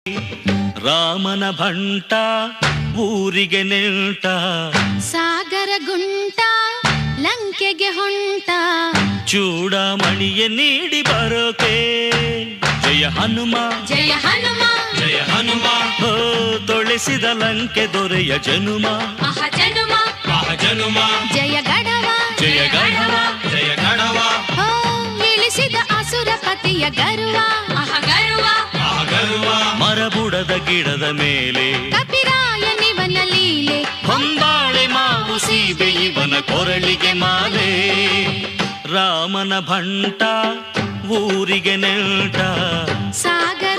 ರಾಮನ ಭಂಟ ಊರಿಗೆ ನೆಂಟ ಸಾಗರ ಗುಂಟ ಲಂಕೆಗೆ ಹೊಂಟ ಚೂಡಮಣಿಯ ನೀಡಿ ಬರೋಕೆ ಜಯ ಹನುಮ ಜಯ ಹನುಮ ಜಯ ಹನುಮ ಹೋ ತೊಳೆಸಿದ ಲಂಕೆ ದೊರೆಯ ಜನುಮ ಜನುಮ ಜನುಮ ಜಯ ಗಡವ ಜಯ ಗಢವ ಜಯ ಗಢವ ಹೋ ಇಳಿಸಿದ ಅಸುರಪತಿಯ ಗರ್ವ ಗರ್ವ ಗರ್ವ ಮರಬುಡದ ಗಿಡದ ಮೇಲೆ ಕಪಿರಾಯನಿವನ ಲೀಲೆ ಹೊಂಬಾಳೆ ಮಾವು ಸೀಬೆ ಇವನ ಕೊರಳಿಗೆ ಮಾಲೆ ರಾಮನ ಭಂಟ ಊರಿಗೆ ನೆಂಟ ಸಾಗರ